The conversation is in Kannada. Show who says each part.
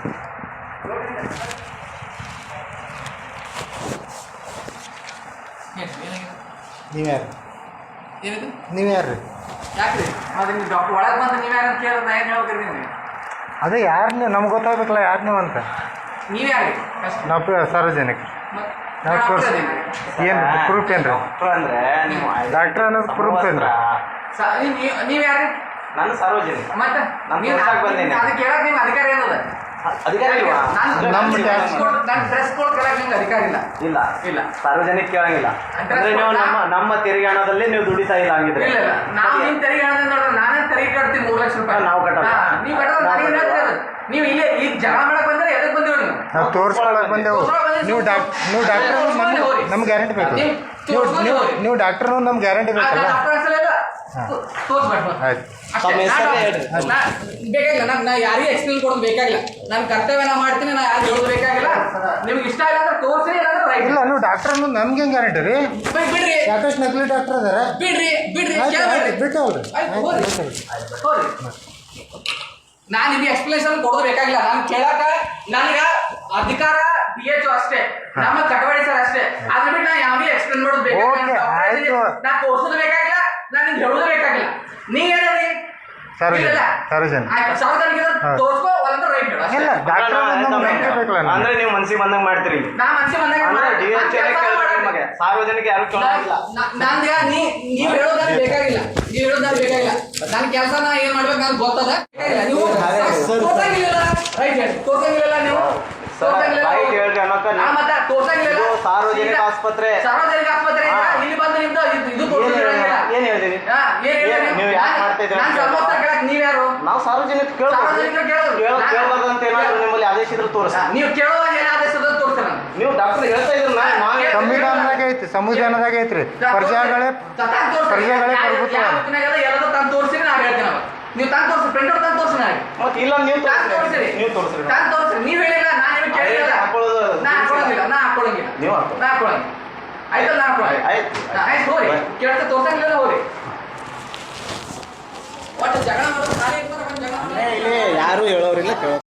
Speaker 1: ನೀವ್ಯಾರು
Speaker 2: ಏನಿದೆ
Speaker 1: ನೀವ್ಯಾರು
Speaker 2: ಯಾಕ್ರಿ ಮತ್ತೆ ನೀವು ಡಾಕ್ಟರ್ ಒಳಗೆ ಬಂದು ನೀವು ಯಾರು ಅಂತ ಕೇಳಿದ್ರೆ ನಾ ಏನು ಹೇಳ್ತೀರಿ ನೀವು
Speaker 1: ಅದೇ ಯಾರು ನೀವು ನಮ್ಗೆ ಗೊತ್ತಾಗಬೇಕಲ್ಲ ಯಾರು ನೀವು ಅಂತ
Speaker 2: ನೀವು ಯಾರು
Speaker 1: ನಾವು ಸಾರ್ವಜನಿಕ ಏನು ಪ್ರೂಫ್ ಏನು ರೀ
Speaker 3: ಅಂದ್ರೆ ನೀವು
Speaker 1: ಡಾಕ್ಟ್ರ್ ಅನ್ನೋದು ಪ್ರೂಫ್ ಏನು ರೀ
Speaker 2: ನೀವು ಯಾರು
Speaker 3: ನಾನು ಸಾರ್ವಜನಿಕ
Speaker 2: ಮತ್ತೆ
Speaker 3: ನಾನು ತೋರ್ಸಕ್ಕೆ ಬಂದೇನೆ.
Speaker 2: ಅದಕ್ಕೆ ಕೇಳಕ್ಕೆ ನಿಮ್ಗೆ ಅಧಿಕಾರ ಏನದ
Speaker 3: ಅಧಿಕಾರ ಇಲ್ವಾ?
Speaker 1: ನಮ್ಮ
Speaker 2: ನಾನು ಡ್ರೆಸ್ ಕೋಡ್ ಕೇಳಕ್ಕೆ ನಿಮ್ಗೆ ಅಧಿಕಾರ ಇಲ್ಲ
Speaker 3: ಇಲ್ಲ
Speaker 2: ಇಲ್ಲ
Speaker 3: ಸಾರ್ವಜನಿಕ ಕೇಳಂಗಿಲ್ಲ ಅಂದ್ರೆ ನೀವು ನಮ್ಮ ತೆರಿಗೆ ಹಣದಲ್ಲಿ ನೀವು ದುಡಿತಾ ಇಲ್ಲ ಹಂಗಿದ್ರೆ
Speaker 2: ಇಲ್ಲ ಇಲ್ಲ ನಾವು ನಿಮ್ ತೆರಿಗೆ ಹಣದಿಂದ ನೋಡ್ರಿ ನಾನೇ ತೆರಿಗೆ ಕಟ್ತೀನಿ 3 ಲಕ್ಷ ರೂಪಾಯಿ
Speaker 3: ನಾವು ಕಟ್ಟಲ್ಲ.
Speaker 2: ನೀವು ಕಟ್ಟೋದು ನನಗೆ ಹೇಳ್ತೀರಿ ಅದು. ನೀವು ಇಲ್ಲೇ ಈಗ ಜಗಳ ಮಾಡಕ್ ಬಂದ್ರೆ ಎದಕ್ಕೆ ಬಂದಿರೋ ನೀವು
Speaker 1: ನಾವು ತೋರಿಸ್ಕೊಳಕ್ಕೆ ಬಂದೆವು ನೀವು ಡಾಕ್ಟ್ರ್ ನಮ್ಗೆ ಗ್ಯಾರಂಟಿ ಬೇಕು ನೀವು ಡಾಕ್ಟ್ರು ನಮ್ಗೆ ಗ್ಯಾರಂಟಿ ಬೇಕಲ್ಲ ಆಯ್ತು
Speaker 2: ಬೇಕಾಗಿಲ್ಲ ನಾ ಯಾರಿಗೂ ಎಕ್ಸ್ಪ್ಲೇನ್ ಕೊಡೋದು ಬೇಕಾಗಿಲ್ಲ ನಾನು ಕರ್ತವ್ಯ ನಾ ಮಾಡ್ತೀನಿ ನಾ ಯಾರು ಹೇಳೋದು ಬೇಕಾಗಿಲ್ಲ ನಿಮ್ಗೆ ಇಷ್ಟ ಇಲ್ಲ ಅಂದ್ರೆ ತೋರಿಸಿ
Speaker 1: ಇಲ್ಲ ನೀವು ಡಾಕ್ಟ್ರ್ ಅನ್ನೋದು ನಮ್ಗೆ ಹೆಂಗೆ ಗ್ಯಾರಂಟಿ ರೀ
Speaker 2: ಬಿಡ್ರಿ
Speaker 1: ಸಾಕಷ್ಟು ನಕಲಿ ಡಾಕ್ಟ್ರ್ ಅದಾರ
Speaker 2: ಬಿಡ್ರಿ
Speaker 1: ಬಿಟ್ಟವಲ್ರಿ
Speaker 2: ನಾನು ನಿಮ್ಗೆ ಎಕ್ಸ್ಪ್ಲೇಷನ್ ಕೊಡೋದು ಬೇಕಾಗಿಲ್ಲ ನಾನು ಕೇಳಕ ನನಗೆ ಅಧಿಕಾರ PHO ಅಷ್ಟೇ ನಮ್ಮ ಚಟವಳಿಕೆ ಸರ್ ಅಷ್ಟೇ ಅದ್ರ ಬಿಟ್ಟು ನಾ ಯಾವ್ದು ಎಕ್ಸ್ಪ್ಲೇನ್ ಮಾಡೋದು ಬೇಕಾಗಿಲ್ಲ ನಾ ತೋರ್ಸೋದು ಬೇಕಾಗಿಲ್ಲ ನಾನು ನಿಮ್ಗೆ ಹೇಳೋದು ಬೇಕಾಗಿಲ್ಲ ನೀವ್ ಹೇಳಿ
Speaker 1: ಸಾರ್ವಜನಿಕ
Speaker 2: ಆಯ್ತು ಸಾರ್ವಜನಿಕ ತೋರ್ಸ್ಕೋ ಅಲ್ಲಂದ್ರೆ ರೈಟ್
Speaker 1: ಇಲ್ಲ ಡಾಕ್ಟ್ರ್
Speaker 3: ಅಂದ್ರೆ ನೀವು ಮನ್ಸಿಗೆ ಬಂದಂಗೆ ಮಾಡ್ತೀರಿ
Speaker 2: ನಾ ಮನ್ಸಿ
Speaker 3: ಬಂದಾಗ ಸಾರ್ವಜನಿಕ ಯಾರು ಕೇಳೋದಿಲ್ಲ
Speaker 2: ನಂಗೆ ನೀವು ಹೇಳೋದ್ ಬೇಕಾಗಿಲ್ಲ ನೀವು ಹೇಳೋದ್ ಬೇಕಾಗಿಲ್ಲ ನನ್ನ ಕೆಲಸ ನಾ ಏನ್ ಮಾಡ್ಬೇಕು ನನಗೆ ಗೊತ್ತದ ಬೇಕಾಗಿಲ್ಲ ನೀವು ತೋರ್ಸಂಗಿಲ್ಲ ರೈಟ್ ಹೇಳಿ ತೋರ್ಸಂಗಿಲ್ಲ ನೀವು
Speaker 3: ಸಾರ್ವಜನಿಕ ಆಸ್ಪತ್ರೆ
Speaker 2: ಇಲ್ಲಿ ಬಂದು ನಿಮ್ದು ಇದು
Speaker 3: ಏನ್ ಹೇಳಿದೀವಿ ನೀವು ಯಾಕೆ ಮಾಡ್ತಾ ಇದ್ದೀರಾ
Speaker 2: ನೀವ್ ಯಾರು
Speaker 3: ನಾವು ಸಾರ್ವಜನಿಕ ಕೇಳಬಾರ್ದು ಅಂತ ಏನಾದ್ರು ನಿಮ್ಮಲ್ಲಿ ಆದೇಶ ಇದ್ರೆ ತೋರಿಸಿ
Speaker 2: ನೀವು ಕೇಳೋವಾಗ ಏನ್ ಆದೇಶ ತೋರಿಸ್ತಾರ
Speaker 3: ನೀವು ಡಾಕ್ಟರ್ ಹೇಳ್ತಾ ಇದ್ರು
Speaker 1: ಸಂವಿಧಾನದಾಗ ಐತಿ ಸಂವಿಧಾನದಾಗ ಐತ್ರಿ ಪ್ರಜೆಗಳೇ ಪ್ರಭುತ್ವ
Speaker 2: ಎಲ್ಲರೂ ತಂದು ತೋರಿಸಿರಿ ನಾವು ಹೇಳ್ತೀನಿ ಅವಾಗ ನೀವು ತಂದು ತೋರಿಸಿ ಪ್ರಿಂಟ್ ತಂದು ತೋರಿಸಿ ನನಗೆ
Speaker 3: ಮತ್ತೆ ಇಲ್ಲ ನೀವು ತೋರಿಸ್ರಿ
Speaker 2: ತಂದು ತೋರಿಸ್ರಿ ನೀವು ಹೇಳಿಲ್ಲ ನಾನು ಏನು ಕೇಳಿಲ್ಲ ನಾ ಹಾಕೊಳ್ಳಂಗಿಲ್ಲ
Speaker 3: ನೀವು
Speaker 2: ನಾ ಹಾಕೊಳ್ಳಂಗಿಲ್ಲ ಆಯ್ತಲ್ಲ ನಾ ಹಾಕೊಳ್ಳಿ ಆಯ್ತು ಹೋರಿ ಕೇಳ್ತಾ ತೋರ್ಸಂಗಿಲ್ಲ ಹೋರಿ ಒಟ್ಟು ಜಗಳ ಮಾಡೋದು ಖಾಲಿ ಇರ್ತಾರೆ
Speaker 3: ಯಾರು ಹೇಳೋರಿಲ್ಲ